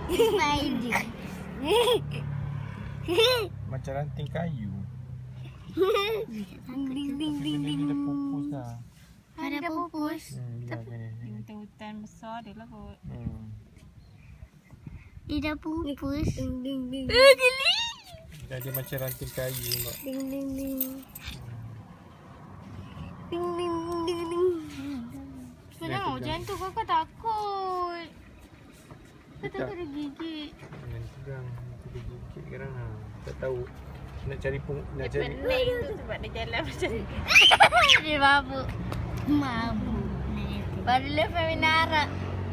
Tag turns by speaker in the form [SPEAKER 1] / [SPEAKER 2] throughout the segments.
[SPEAKER 1] Spider.
[SPEAKER 2] Macam ranting kayu.
[SPEAKER 1] Ding ding ding ding.
[SPEAKER 2] Dia dah pupus dah.
[SPEAKER 1] Ada pupus.
[SPEAKER 3] Di hutan besar dia lah kot.
[SPEAKER 1] Dia dah pupus. Ding ding ding. Geli.
[SPEAKER 2] Dia macam ranting kayu nampak.
[SPEAKER 1] Ding ding ding. Ding ding ding ding.
[SPEAKER 3] Kenapa macam tu kakak takut? Kau
[SPEAKER 2] Tak.
[SPEAKER 3] takut dia gigit.
[SPEAKER 2] Jangan tegang. Nanti dia gigit sekarang lah. Tak tahu. Nak cari nak
[SPEAKER 3] Dia
[SPEAKER 2] cari.
[SPEAKER 3] pelik tu sebab dia jalan macam ni.
[SPEAKER 1] Dia mabuk. Mabuk. Baru lepas menara.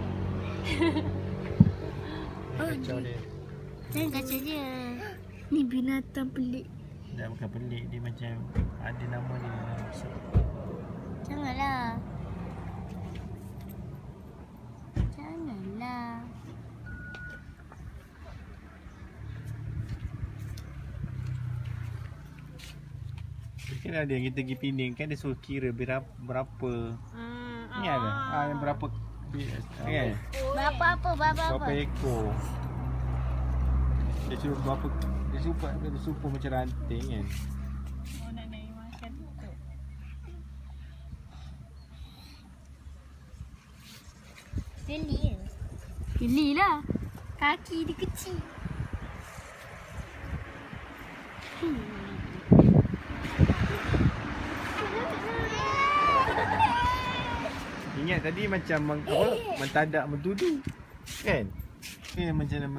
[SPEAKER 2] Kacau dia.
[SPEAKER 1] Jangan kacau dia. Ni binatang pelik.
[SPEAKER 2] Dah bukan pelik. Dia macam ada nama dia.
[SPEAKER 1] Janganlah. Janganlah.
[SPEAKER 2] Kan ada yang kita pergi Pening kan dia suruh kira berapa. Ni ada. Yang berapa kan?
[SPEAKER 1] Berapa apa?
[SPEAKER 2] Berapa ekor. Dia suruh berapa dia suruh macam ranting kan.
[SPEAKER 3] Oh nak naik makan tu.
[SPEAKER 1] Geli ke? Geli lah. Kaki dia kecil.
[SPEAKER 2] Ingat tadi macam mentadak mentudu kan? Macam